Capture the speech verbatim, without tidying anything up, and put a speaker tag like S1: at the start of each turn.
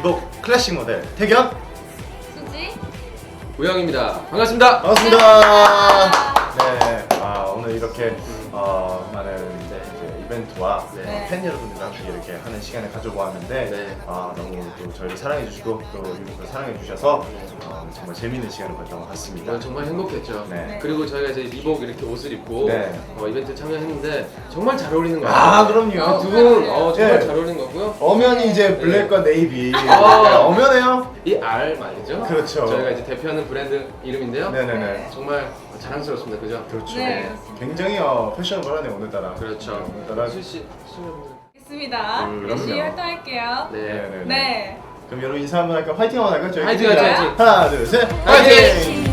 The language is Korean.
S1: 리복 클래식 모델 태견,
S2: 수지,
S3: 우영입니다. 반갑습니다.
S1: 반갑습니다. 네, 아, 오늘 이렇게 어, 많은 이제, 이제 이벤트와
S3: 네.
S1: 어, 팬 여러분들과 함께 이렇게 하는 시간을 가져보았는데
S3: 네.
S1: 아, 너무 또 저희를 사랑해주시고 또 리복을 사랑해주셔서 어, 정말 재밌는 시간을 보냈던 것 같습니다.
S3: 오늘 정말 행복했죠.
S1: 네.
S3: 그리고 저희가 이제 리복 이렇게 옷을 입고
S1: 네.
S3: 어, 이벤트 참여했는데 정말 잘 어울리는 것 같아요.
S1: 아, 그럼요.
S3: 두 분 어, 정말
S1: 네.
S3: 잘 어울리는 거고요.
S1: 엄연히 이제 블랙과 네이비. 네,
S3: 아.
S1: 엄연해요.
S3: 이 R 말이죠.
S1: 그렇죠.
S3: 저희가 이제 대표하는 브랜드 이름인데요.
S1: 네네네.
S3: 정말 자랑스럽습니다. 그죠?
S1: 그렇죠.
S2: 네.
S1: 굉장히 어, 패셔너블하네 오늘따라.
S3: 그렇죠.
S1: 네, 오늘따라.
S3: 수지 씨,
S2: 있습니다.
S1: 음,
S2: 열심히
S1: 그럼요.
S2: 활동할게요.
S3: 네.
S1: 네네네.
S2: 네.
S1: 그럼 여러분 인사 한번 할까요? 화이팅 한번 할까요? 저희
S3: 화이팅,
S1: 팀이랑.
S3: 화이팅, 화이팅.
S1: 하나, 둘, 셋.
S3: 화이팅!
S1: 화이팅!